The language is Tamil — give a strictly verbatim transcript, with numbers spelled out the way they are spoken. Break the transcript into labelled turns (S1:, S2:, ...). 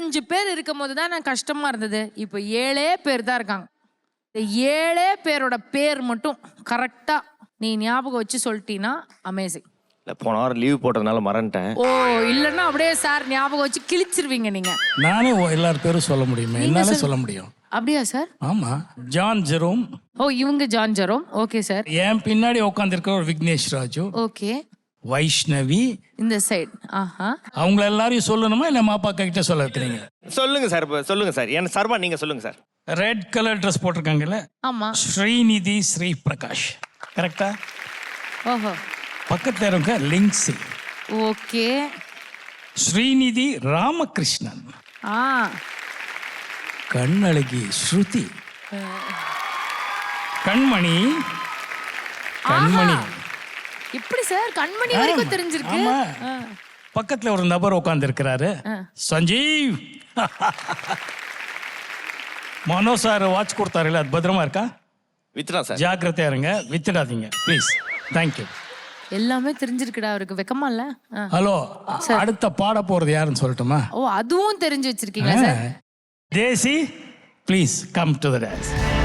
S1: இருபத்தஞ்சு பேர் இருக்கும் போது தான் நான் கஷ்டமா இருந்தது. இப்போ ஏழே பேர் தான் இருக்காங்க. இந்த ஏழே பேரோட பேர் மட்டும் கரெக்டா நீ ஞாபகம் வச்சு சொல்லிட்டீன்னா அமேசிங்.
S2: இல்ல போன வாரம் லீவ் போட்டதுனால மறந்துட்டேன்.
S1: ஓ இல்லைன்னா அப்படியே சார் ஞாபகம் வச்சு கிழிச்சிருவீங்க நீங்க.
S3: நானே எல்லார் பேரும் சொல்ல முடியுமே, என்னால சொல்ல முடியும்.
S1: அப்படியா சார்?
S3: ஆமா, ஜான் ஜெரோம்.
S1: ஓ இவங்க ஜான் ஜெரோம். Okay sir.
S3: என் பின்னாடி உட்காந்துருக்கிற ஒரு விக்னேஷ் ராஜு.
S1: ஓகே.
S3: வைஷ்ணவி
S1: இந்த சைடு. ஆஹா.
S3: அவங்கள எல்லாரையும் சொல்லணுமா இல்ல மாப்பா கிட்ட சொல்ல வைக்கிறீங்க?
S2: சொல்லுங்க சார், சொல்லுங்க சார். என்ன சர்வா நீங்க சொல்லுங்க சார்.
S3: ரெட் கலர் ட்ரெஸ் போட்டிருக்காங்கல்ல,
S1: ஆமா.
S3: ஸ்ரீநிதி ஸ்ரீ பிரகாஷ். கரெக்டா?
S1: ஓஹோ.
S3: பக்கத்துல இருக்க லிங்க்ஸி.
S1: ஓகே.
S3: ஸ்ரீநிதி ராமகிருஷ்ணன்.
S1: ஆ.
S3: கண்ணழகி ஸ்ருதி. கண்மணி. கண்மணி.
S1: இப்படி சார் கண்மணி வரைக்கும் தெரிஞ்சிருக்கு.
S3: ஆமா. பக்கத்துல ஒரு நபர் உட்கார்ந்து இருக்கிறாரு, சஞ்சீவ். மனோ சார் வாட்ச் கொடுத்தாருல்ல, அது பத்திரமா இருக்கா?
S2: வித்ரா சார்.
S3: ஜாக்கிரதையா இருங்க, வித்துடாதீங்க ப்ளீஸ். தேங்க்யூ.
S1: எல்லாமே தெரிஞ்சிருக்குடா அவருக்கு, வெக்கமா இல்ல?
S3: ஹலோ, அடுத்த பாட போறது யாருன்னு சொல்லட்டுமா?
S1: ஓ அதுவும் தெரிஞ்சு வச்சிருக்கீங்களா sir?
S3: Desi, please come to the dance.